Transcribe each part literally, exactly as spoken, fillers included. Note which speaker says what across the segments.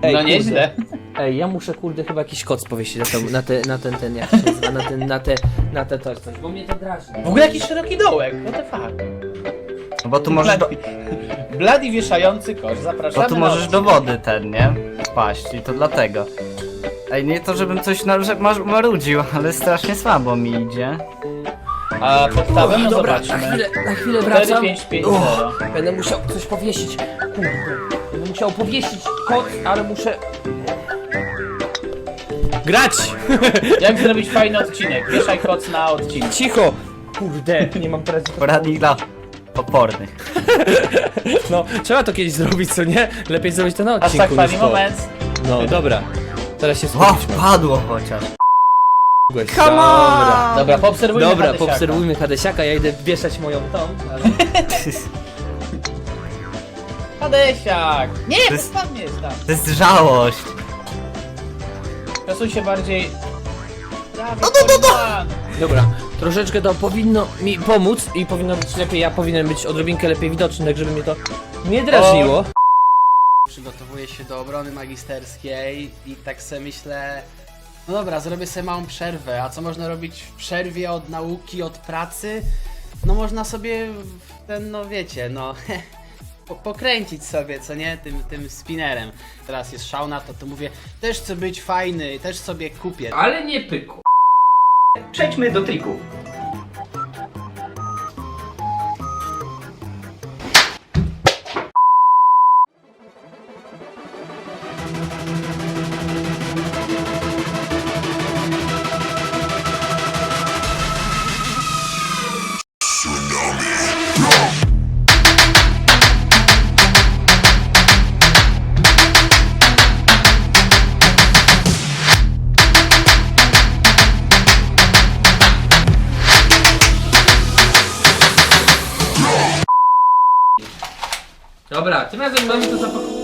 Speaker 1: Ej,
Speaker 2: No
Speaker 1: kurde.
Speaker 2: nieźle.
Speaker 1: Ej, ja muszę kurde chyba jakiś koc powiesić na, ten, na, te, na ten, ten, jak się nazywa, na ten, na te, na te coś, coś, bo mnie to drażni.
Speaker 2: W ogóle jakiś szeroki dołek, what the fuck.
Speaker 3: No bo tu możesz do,
Speaker 2: Blady wieszający kosz, zapraszamy
Speaker 3: bo tu
Speaker 2: na
Speaker 3: możesz do
Speaker 2: odcinek.
Speaker 3: wody ten, nie? Wpaść i to dlatego. Ej, nie to żebym coś na, że mar- marudził, ale strasznie słabo mi idzie.
Speaker 2: A podstawę, no
Speaker 1: Dobra, na
Speaker 2: zobaczmy.
Speaker 1: chwilę, na chwilę
Speaker 2: cztery
Speaker 1: wracam.
Speaker 2: pięć pięć
Speaker 1: Uff,
Speaker 2: zero.
Speaker 1: Będę musiał coś powiesić. Kurde, będę musiał powiesić koc, ale muszę... Grać!
Speaker 2: Jak zrobić fajny odcinek? Wieszaj koc na odcinek.
Speaker 1: Cicho! Kurde, nie mam teraz...
Speaker 3: Poradnik dla opornych.
Speaker 1: No, trzeba to kiedyś zrobić, co nie? Lepiej zrobić to na
Speaker 2: Aż
Speaker 1: odcinku
Speaker 2: tak funny
Speaker 1: niż to.
Speaker 2: moment.
Speaker 1: No, dobra. Teraz się
Speaker 3: O,
Speaker 1: skupić.
Speaker 3: padło chociaż.
Speaker 1: Come
Speaker 3: on!
Speaker 2: Dobra, poobserwujmy
Speaker 1: Dobra,
Speaker 2: Hadesiaka.
Speaker 1: poobserwujmy Hadesiaka, ja idę wieszać moją tą. Ale...
Speaker 2: Hadesiak! Nie,
Speaker 3: To jest-
Speaker 2: spadniesz tam.
Speaker 3: To jest żałość.
Speaker 2: Przesuń się bardziej. Prawie, no, no, no, no.
Speaker 1: Dobra, troszeczkę to powinno mi pomóc i powinno być lepiej, ja powinienem być odrobinkę lepiej widoczny, tak żeby mnie to nie drażniło.
Speaker 4: Przygotowuję się do obrony magisterskiej i tak sobie myślę, no dobra, zrobię sobie małą przerwę, a co można robić w przerwie od nauki, od pracy? No można sobie w ten, no wiecie, no po, pokręcić sobie, co nie, tym, tym spinnerem. Teraz jest szał na to, to mówię, też chcę być fajny, też sobie kupię.
Speaker 1: Ale nie pyku.
Speaker 5: Przejdźmy do trików.
Speaker 1: Dobra, tym razem mamy to zapakować.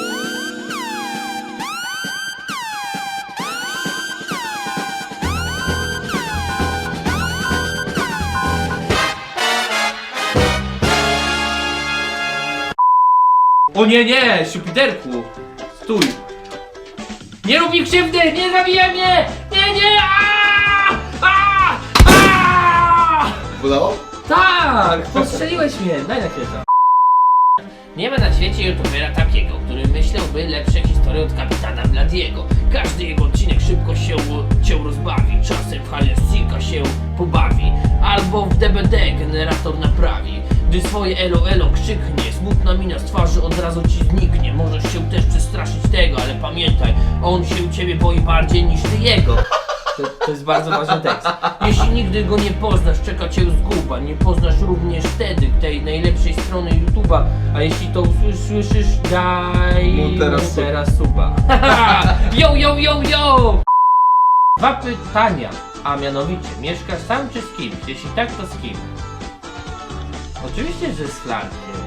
Speaker 1: O nie, nie, Jupiterku! Stój! Nie rób mi krzywdy! Nie zabijaj mnie! Nie, nie! Aaaa! Aaaa! Aaaa!
Speaker 6: Udało?
Speaker 1: Tak! Postrzeliłeś mnie! Daj na chwilę to. Nie ma na świecie youtubera takiego, który myślałby lepsze historie od kapitana Bladiego. Każdy jego odcinek szybko się cię rozbawi. Czasem w Halesika się pobawi. Albo w D B D generator naprawi. Gdy swoje elo elo krzyknie, smutna mina z twarzy od razu ci zniknie. Możesz się też przestraszyć tego, ale pamiętaj, on się ciebie boi bardziej niż ty jego. To, to jest bardzo ważny tekst. Jeśli nigdy go nie poznasz, czeka cię zguba. Nie poznasz również wtedy tej najlepszej strony YouTube'a. A jeśli to usłyszysz, daj
Speaker 6: Mu teraz
Speaker 1: mu
Speaker 6: suba.
Speaker 1: teraz suba. Yo, yo, yo, yo! Dwa pytania, a mianowicie, mieszkasz sam czy z kimś? Jeśli tak, to z kim? Oczywiście, że z Flarkiem.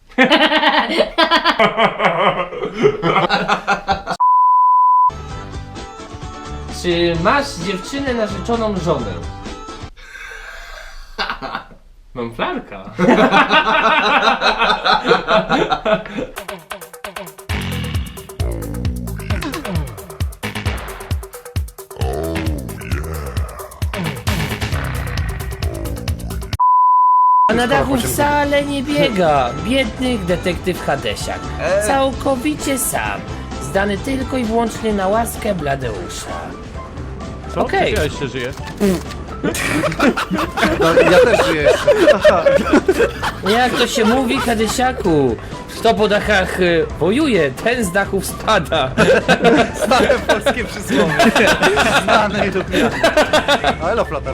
Speaker 1: Czy masz dziewczynę narzeczoną żonę? Mam Flarka. A na dachu wcale nie biega. Biedny detektyw Hadesiak. Całkowicie sam. Zdany tylko i wyłącznie na łaskę Bladeusza.
Speaker 7: Co?
Speaker 1: Okej.
Speaker 7: Ja jeszcze żyję.
Speaker 6: No, ja też żyję jeszcze.
Speaker 1: Jak to się mówi, Hadesiaku? Kto po dachach y, wojuje, ten z dachów spada.
Speaker 6: Stare polskie przysłowie. Znane i lubiane. No elo, Flotar.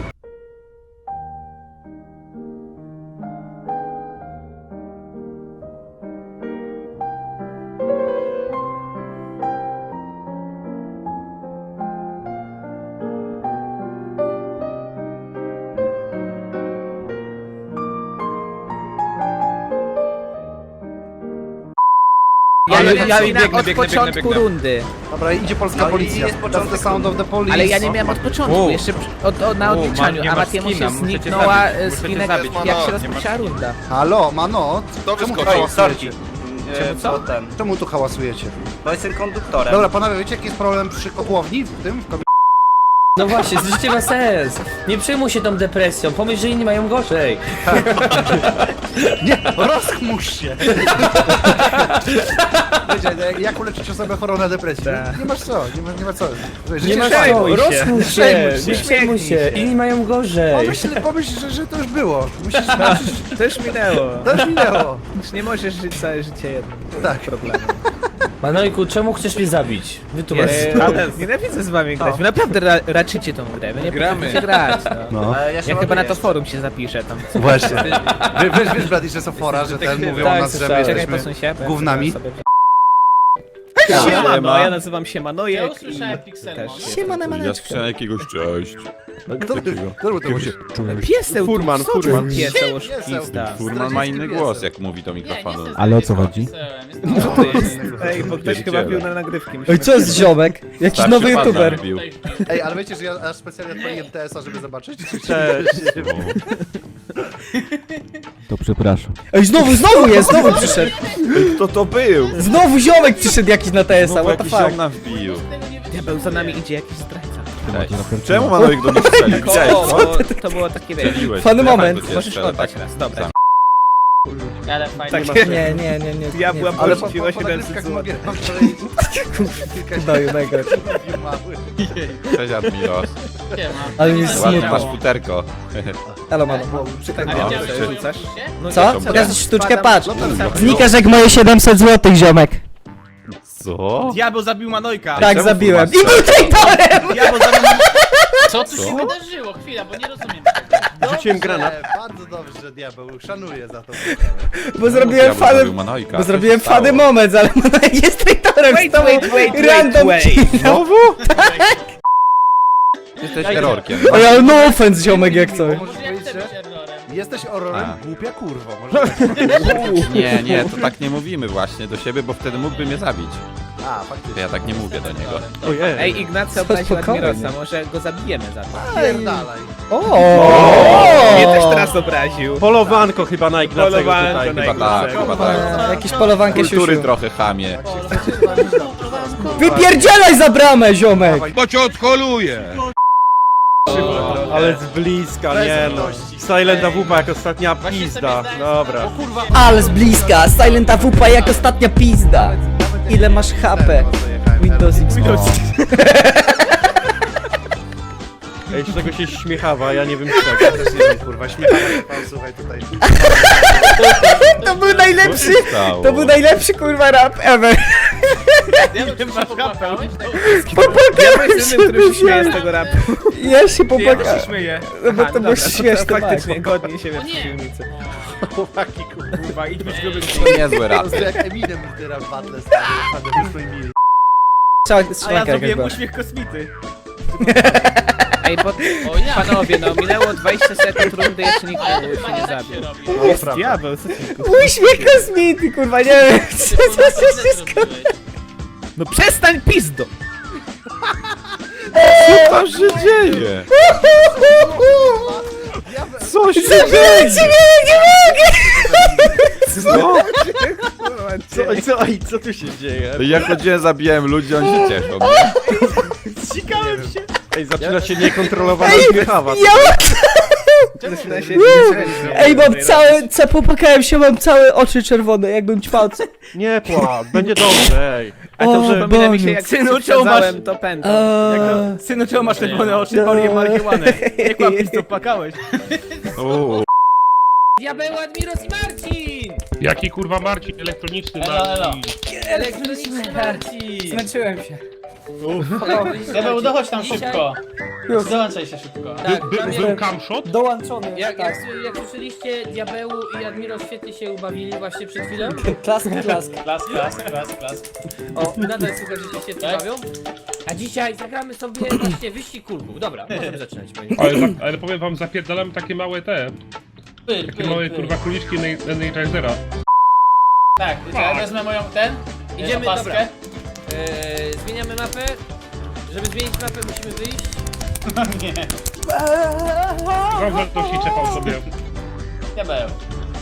Speaker 7: Ja, ja,
Speaker 8: ja
Speaker 7: ja
Speaker 8: biegnę,
Speaker 7: biegnę,
Speaker 8: od
Speaker 7: biegnę,
Speaker 8: początku
Speaker 7: biegnę, biegnę.
Speaker 8: rundy.
Speaker 6: Dobra, idzie polska
Speaker 8: No i
Speaker 6: policja.
Speaker 8: jest początek
Speaker 6: That's the sound of the police.
Speaker 8: Ale ja nie miałem od początku,
Speaker 7: U.
Speaker 8: jeszcze przy- od, od, na
Speaker 7: U,
Speaker 8: odliczaniu,
Speaker 7: ma- nie
Speaker 8: a
Speaker 7: masz
Speaker 8: Matiemu
Speaker 7: skina,
Speaker 8: się
Speaker 7: muszę cię
Speaker 8: zniknęła
Speaker 7: zabić,
Speaker 8: e,
Speaker 7: muszę cię
Speaker 8: skinek,
Speaker 7: zabić.
Speaker 8: jak
Speaker 7: Mano,
Speaker 8: się
Speaker 7: nie masz-
Speaker 8: rozpoczęła runda.
Speaker 6: Halo, mano?
Speaker 5: Kto
Speaker 6: Czemu
Speaker 5: wyskoczył?
Speaker 6: hałasujecie?
Speaker 3: e,
Speaker 2: Czemu co?
Speaker 3: bo ten,
Speaker 6: Czemu tu hałasujecie?
Speaker 3: bo jestem konduktorem.
Speaker 6: Dobra, panowie, wiecie jaki jest problem przy kotłowni w tym? W komi-
Speaker 8: No właśnie, życie ma sens. Nie przejmuj się tą depresją, pomyśl, że inni mają gorzej.
Speaker 6: Nie, rozchmurz się! Wiecie, jak- jak uleczyć osobę chorą na depresję? Nie masz co, nie ma, nie ma co. Życie
Speaker 8: Nie ma
Speaker 6: fajne.
Speaker 8: co, rozchmurz się,
Speaker 6: Przejmuj się.
Speaker 8: nie przejmuj się, inni mają gorzej.
Speaker 6: Pomyśl, pomyśl że, że to już było. Musisz, musisz,
Speaker 2: To już minęło.
Speaker 6: to już minęło.
Speaker 2: Już nie możesz żyć całe życie jednym
Speaker 6: Tak.
Speaker 2: problemem.
Speaker 8: Manojku, czemu chcesz mnie zabić? Wytłumacz.
Speaker 2: Eee, ale nienawidzę z wami grać. Wy naprawdę ra raczycie tą grę. Wy nie gramy. grać, no.
Speaker 6: No.
Speaker 3: Ale ja się
Speaker 2: Ja chyba na to
Speaker 3: ładuję.
Speaker 2: forum się zapiszę tam.
Speaker 6: Właśnie. Wy, wiesz, wiesz, Brady, że są fora, że ten mówią
Speaker 8: tak,
Speaker 6: o nas, że my
Speaker 8: słyszałem.
Speaker 2: Czekaj,
Speaker 6: jesteśmy
Speaker 2: posuń się. bo ja
Speaker 6: gównami.
Speaker 2: sobie- Siemano, ja nazywam się Manojek.
Speaker 4: Ja usłyszałem Pixelmon.
Speaker 2: Siemane
Speaker 9: Ja
Speaker 2: maneczko.
Speaker 9: słyszałem jakiegoś cześć.
Speaker 6: Kto, kto był to musi?
Speaker 2: Pieseł,
Speaker 7: Furman,
Speaker 2: co tu
Speaker 7: furman.
Speaker 2: Pieseł,
Speaker 6: Pieseł.
Speaker 2: oszukista.
Speaker 9: Furman ma inny głos, jak mówi do mikrofonu.
Speaker 10: Ale o co chodzi?
Speaker 2: Co to jest? Ej, bo ktoś chyba
Speaker 9: Pierdziele.
Speaker 2: bił na nagrywki.
Speaker 8: Oj, co jest ziomek? Jakiś
Speaker 9: Starszy
Speaker 8: nowy
Speaker 9: pan
Speaker 8: youtuber.
Speaker 9: zabił.
Speaker 6: Ej, ale wiecie, że ja aż specjalnie odpaliłem T S A, żeby zobaczyć?
Speaker 10: To przepraszam.
Speaker 8: Ej, znowu, znowu jest, znowu przyszedł.
Speaker 9: Kto to był?
Speaker 8: Znowu ziomek przyszedł jakiś na T S A,
Speaker 9: Znowu
Speaker 8: what the
Speaker 9: jakiś
Speaker 8: fuck.
Speaker 9: ziom nam wbił.
Speaker 2: Diabeł, za nami idzie jakiś zdrajca.
Speaker 9: Cześć. Czemu Manojek do mnie strzelił? Widziałeś
Speaker 2: To,
Speaker 9: to?
Speaker 2: było- to było takie wiesz.
Speaker 9: Strzeliłeś.
Speaker 8: Fany
Speaker 9: Ja
Speaker 8: moment.
Speaker 9: tak do ciebie
Speaker 2: Możesz
Speaker 9: strzelę,
Speaker 2: oddać
Speaker 9: tak.
Speaker 2: raz, dobra.
Speaker 9: Sam.
Speaker 4: Ale fajnie.
Speaker 2: Tak,
Speaker 8: Nie, nie, nie, nie.
Speaker 2: Ja
Speaker 8: nie.
Speaker 2: byłam
Speaker 6: Ale po, po,
Speaker 2: pożyczyła
Speaker 6: po
Speaker 2: siedemset
Speaker 6: nagrywkach
Speaker 2: złotych.
Speaker 6: mogę mam wczoraj kilka
Speaker 8: Daju, mega.
Speaker 9: Cześć Admiros.
Speaker 8: Ale mi jest
Speaker 9: Ładnie masz
Speaker 8: smutno.
Speaker 9: futerko.
Speaker 8: Halo, mano.
Speaker 2: Tak,
Speaker 9: No,
Speaker 2: widziałeś,
Speaker 9: czy-
Speaker 2: że rzucasz? No,
Speaker 8: Co?
Speaker 2: ja
Speaker 8: Pokaż sztuczkę,
Speaker 2: wpadam-
Speaker 8: patrz.
Speaker 2: wpadam-
Speaker 8: Znikasz jak moje siedemset złotych, ziomek.
Speaker 9: Co?
Speaker 2: Diabeł zabił Manojka!
Speaker 8: Tak,
Speaker 9: czemu
Speaker 8: zabiłem. I
Speaker 9: kurwa
Speaker 8: był traitorem!
Speaker 2: Diabeł zabił
Speaker 4: Co tu
Speaker 9: Co?
Speaker 4: się wydarzyło? Chwila, bo nie rozumiem.
Speaker 7: Rzuciłem granat.
Speaker 6: Bardzo dobrze, że diabeł, szanuję za to.
Speaker 8: Bo zrobiłem
Speaker 9: Diabeł
Speaker 8: fany...
Speaker 9: zabił Manojka.
Speaker 8: Bo
Speaker 9: Co
Speaker 8: zrobiłem
Speaker 9: się stało?
Speaker 8: fany moment, ale Manojek jest traitorem.
Speaker 2: Wait,
Speaker 8: z tobą
Speaker 2: wait, wait, wait,
Speaker 8: random
Speaker 2: wait.
Speaker 8: kill.
Speaker 9: Znowu? Jesteś errorkiem.
Speaker 8: Oj, ale no offense, ziomek, jak coś.
Speaker 6: Możesz powiedzieć, że jesteś
Speaker 9: A.
Speaker 6: ororem, głupia kurwo. Może...
Speaker 9: Nie, nie, to tak nie mówimy właśnie do siebie, bo wtedy mógłby mnie zabić.
Speaker 6: A,
Speaker 9: To
Speaker 6: faktycznie.
Speaker 9: ja tak nie mówię do niego.
Speaker 7: Ojej.
Speaker 2: Ej, Ignacy
Speaker 8: Co,
Speaker 2: obraził
Speaker 8: spokojnie.
Speaker 2: Admirosa, może go zabijemy za to.
Speaker 6: Pierdalaj.
Speaker 8: O!
Speaker 2: Mnie też teraz obraził.
Speaker 7: Polowanko chyba na Ignacego
Speaker 2: Polowanko
Speaker 7: tutaj.
Speaker 2: na
Speaker 9: Chyba tak, chyba tak.
Speaker 8: E, Jakieś polowankę
Speaker 9: Kultury
Speaker 8: siusiu.
Speaker 9: trochę chamie.
Speaker 8: Wypierdzielaj za bramę, ziomek!
Speaker 7: Ale z bliska, nie no. Silent A W P jak ostatnia pizda. Dobra.
Speaker 8: Ale z bliska, Silent A W P jak ostatnia pizda. Ile masz H P? Windows X P.
Speaker 7: Ej, z czego się śmiechawa, ja nie wiem z czego.
Speaker 6: Ja też nie wiem, kurwa, śmiechamy się pan, słuchaj tutaj.
Speaker 8: To był najlepszy,
Speaker 9: Co się stało?
Speaker 8: to był najlepszy kurwa rap ever.
Speaker 4: Ja bym się popłakałeś?
Speaker 2: Ja jestem tym, który się śmieje z tego rapu.
Speaker 8: Ja się popłakałem.
Speaker 2: śmieję.
Speaker 8: No bo to było śmieszne,
Speaker 2: Faktycznie,
Speaker 8: Max.
Speaker 2: godnie się
Speaker 4: O
Speaker 2: we
Speaker 4: nie.
Speaker 2: przeciwnicy.
Speaker 6: Chłopaki, kurwa.
Speaker 2: idź być grubym.
Speaker 9: To niezły rap.
Speaker 6: To jest jak Eminem w rap battle, stary. Naprawdę wyszło im mili.
Speaker 8: Trzeba,
Speaker 2: A ja
Speaker 8: strzelanka jakaś
Speaker 2: zrobiłem
Speaker 8: była.
Speaker 2: uśmiech kosmity. Ej, bo... Panowie, no minęło dwadzieścia sekund rundy, jeszcze nikt
Speaker 4: Ale to
Speaker 2: się
Speaker 4: chyba
Speaker 2: nie
Speaker 4: nie tak się
Speaker 2: zabił.
Speaker 4: robi.
Speaker 2: Jest diabeł, co ty?
Speaker 8: Uśmiech kosmity, kurwa, nie wiem. Co to się skończy?
Speaker 2: No przestań pizdo!
Speaker 9: Co tam się dzieje? Co się
Speaker 8: Zabijcie mnie, nie mogę!
Speaker 9: Co?
Speaker 7: Co, co, ej, co tu się dzieje?
Speaker 9: Ja chodziłem, zabijałem ludzi, oni się cieszą. Nie?
Speaker 2: Zsikałem się!
Speaker 7: Ej, zaczyna się niekontrolowana śmiechawa.
Speaker 8: Ja
Speaker 2: Zaczyna się...
Speaker 8: Ej, mam całe, ca, popłakałem się, mam całe oczy czerwone, jakbym ćpał.
Speaker 7: Nie płacz, będzie dobrze, ej.
Speaker 2: A to, że
Speaker 8: O,
Speaker 2: przypomina mi się
Speaker 8: Boże.
Speaker 2: jak
Speaker 8: Synu,
Speaker 2: czemu masz... to pędzą.
Speaker 8: Eee,
Speaker 2: Synu, czemu masz czerwone oczy,
Speaker 8: palię
Speaker 2: marihuanę? Jak mam pizdo, płakałeś?
Speaker 9: Uuu.
Speaker 1: Diabeł, Admiros i Marcin!
Speaker 11: Jaki kurwa Marcin? Elektroniczny
Speaker 4: Elo, elo.
Speaker 11: Marcin.
Speaker 1: Elektroniczny Marcin!
Speaker 8: Zmęczyłem się.
Speaker 4: Diabeł, dochodź tam
Speaker 1: Dzisiaj-
Speaker 4: szybko.
Speaker 8: Już.
Speaker 4: Dołączaj się szybko.
Speaker 1: Tak,
Speaker 11: By,
Speaker 1: pamię-
Speaker 11: był camshot?
Speaker 8: Dołączony.
Speaker 1: jak,
Speaker 8: tak.
Speaker 1: jak, jak słyszeliście, Diabeł i Admiros świetnie się ubawili właśnie przed chwilą.
Speaker 8: Klask, klask.
Speaker 4: Klas, klas, klas, klas.
Speaker 1: O, nadal słuchaj, że się świetnie
Speaker 4: Tak?
Speaker 1: bawią. A dzisiaj zagramy sobie właśnie wyścig kulków. Dobra, możemy zaczynać. Panie.
Speaker 11: Ale, za, ale powiem wam, zapierdalamy takie małe te,
Speaker 4: Pyr,
Speaker 11: takie
Speaker 4: pyr,
Speaker 11: małe
Speaker 4: pyr.
Speaker 11: kurwa króliczki Energizera.
Speaker 4: Tak, ja wezmę moją ten.
Speaker 1: Idziemy,
Speaker 4: opaskę.
Speaker 1: dobra. Eee, zmieniamy mapę. Żeby zmienić mapę, musimy wyjść.
Speaker 4: Nie.
Speaker 11: Dobrze, to się czepał sobie.
Speaker 4: Diabeł.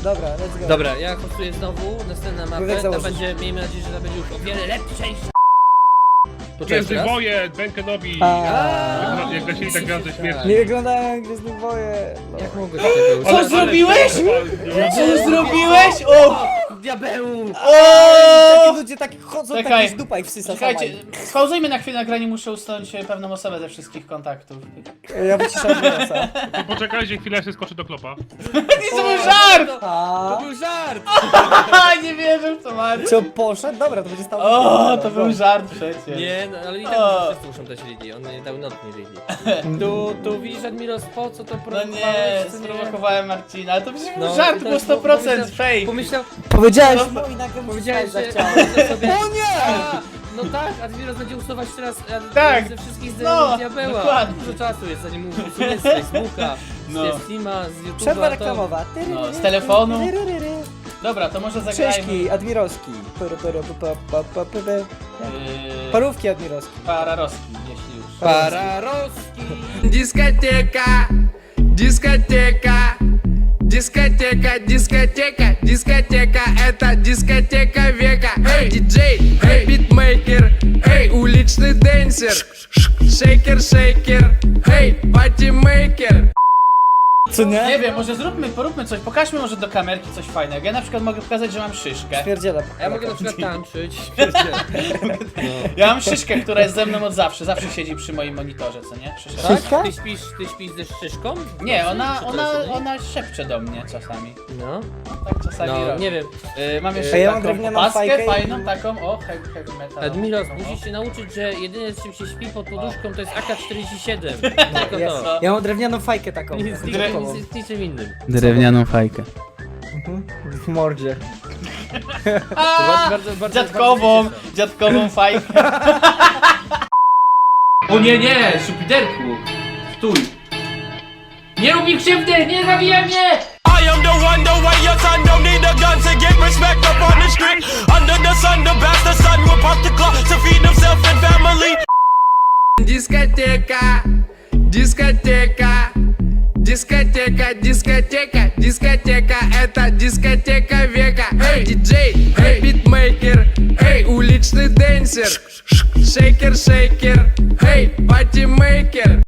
Speaker 8: Dobra, let's go.
Speaker 1: Dobra, ja kostuję znowu, następna mapę,
Speaker 8: Wózek
Speaker 1: ta
Speaker 8: założyć.
Speaker 1: będzie, miejmy nadzieję, że ta będzie już o wiele lepsza niż... Poczekaj
Speaker 11: Gwiezdny
Speaker 1: teraz.
Speaker 11: Wojen, Benkenowi.
Speaker 8: A.
Speaker 11: Jak, jak lecieli tak gwiazdy śmierci.
Speaker 8: Nie wyglądają jak Gwiezdne Woje. No.
Speaker 1: Jak mogę się tego
Speaker 4: Co
Speaker 11: Ale-
Speaker 4: zrobiłeś?
Speaker 11: ale-
Speaker 4: Co zrobiłeś? O!
Speaker 1: Diabeł!
Speaker 8: Takie
Speaker 4: O!
Speaker 8: ludzie tak chodzą,
Speaker 4: Czekaj.
Speaker 8: taki z dupa i wsysa
Speaker 4: Czekajcie,
Speaker 8: sama.
Speaker 4: spauzujmy na chwilę nagranie, muszę usunąć e, pewną osobę ze wszystkich kontaktów.
Speaker 8: Ja wyciszam Admirosa.
Speaker 11: To poczekajcie chwilę, ja się skoczę do klopa.
Speaker 4: To był żart!
Speaker 1: To
Speaker 8: A
Speaker 1: był żart!
Speaker 4: Nie wierzę w to, Marcin.
Speaker 8: co, poszedł? Dobra, to będzie stało.
Speaker 4: O, to był żart przecież.
Speaker 1: Nie, no ale i tak
Speaker 4: O.
Speaker 1: wszyscy muszą dać Lili, on nie dał not nie Lili. Tu, tu widzisz Admiros, po co to
Speaker 4: No
Speaker 1: prowokowałeś?
Speaker 4: nie,
Speaker 1: co
Speaker 4: sprowokowałem Marcina, ale to przecież był
Speaker 1: No,
Speaker 4: żart,
Speaker 1: i
Speaker 4: był
Speaker 1: teraz
Speaker 4: sto procent
Speaker 1: pomyślał-
Speaker 4: fake.
Speaker 1: Pomyślał,
Speaker 8: Powiedziałeś
Speaker 4: No.
Speaker 8: no i nagle mu
Speaker 1: powiedziałeś, że...
Speaker 8: zachciało.
Speaker 1: że sobie...
Speaker 8: O nie!
Speaker 1: A, no tak, Admiros będzie usuwać teraz e,
Speaker 4: Tak.
Speaker 1: ze wszystkich
Speaker 4: No,
Speaker 1: zdjęć diabeła.
Speaker 4: dokładnie.
Speaker 1: Dużo czasu jest, zanim mu usunie z Facebooka,
Speaker 4: No.
Speaker 1: z Steama, z YouTube'a.
Speaker 8: Przerwa
Speaker 1: to-
Speaker 8: reklamowa.
Speaker 4: No, z telefonu. Dobra, to może zagrajmy.
Speaker 8: Krzyżki, Admirowski. Pyry, pyry, pa, pa, pa, pyry.
Speaker 4: Yy,
Speaker 8: Parówki Admirowski.
Speaker 4: Pararowski, jeśli już.
Speaker 1: Pararoski!
Speaker 12: Дискотека, дискотека, дискотека, дискотека, дискотека, это дискотека века. Эй, диджей, эй, битмейкер, эй, уличный дэнсер, шейкер, шейкер, эй, патимейкер.
Speaker 8: Co nie?
Speaker 4: Nie wiem, może zróbmy, poróbmy coś, pokażmy może do kamerki coś fajnego. Ja na przykład mogę pokazać, że mam szyszkę.
Speaker 8: Pierdziela.
Speaker 1: A ja mogę na przykład tańczyć.
Speaker 4: Ja mam szyszkę, która jest ze mną od zawsze, zawsze siedzi przy moim monitorze, co nie? Szyszka.
Speaker 1: Tak?
Speaker 8: Szyszka?
Speaker 1: Ty śpisz, ty śpisz ze szyszką?
Speaker 4: Nie, ona,
Speaker 1: Czy to
Speaker 4: ona,
Speaker 1: jest-
Speaker 4: ona szepcze do mnie czasami.
Speaker 1: No,
Speaker 4: Tak czasami
Speaker 1: no
Speaker 4: robi.
Speaker 1: nie wiem.
Speaker 4: Yy, mam
Speaker 8: A
Speaker 4: jeszcze
Speaker 8: ja mam
Speaker 4: taką
Speaker 8: drewnianą
Speaker 4: opaskę
Speaker 8: fajkę i-
Speaker 4: fajną, taką, o, heavy, heavy metal.
Speaker 1: Admiros,
Speaker 4: taką,
Speaker 1: musisz się nauczyć, że jedyne z czym się śpi pod poduszką to jest A K czterdzieści siedem. Tylko
Speaker 8: Jest.
Speaker 1: to.
Speaker 8: Ja mam drewnianą fajkę taką.
Speaker 1: Nic, nic,
Speaker 8: Drewnianą.
Speaker 1: nic, niczym innym.
Speaker 2: Drewnianą fajkę.
Speaker 8: W mordzie.
Speaker 4: A,
Speaker 1: bardzo, bardzo,
Speaker 4: dziadkową,
Speaker 1: bardzo się cieszę.
Speaker 4: dziadkową fajkę.
Speaker 1: O nie, nie, szupiderku! Stój! Nie rób mi krzywdy, nie zabijaj mnie!
Speaker 12: I am the one, the way your son don't need a gun to get respect up on the street. Under the sun, the bastard son will pop the clock to feed himself and family. Дискотека, дискотека, дискотека, дискотека, дискотека, это дискотека века. Эй, диджей, эй, битмейкер, эй, уличный дэнсер, шейкер, шейкер, эй, патимейкер.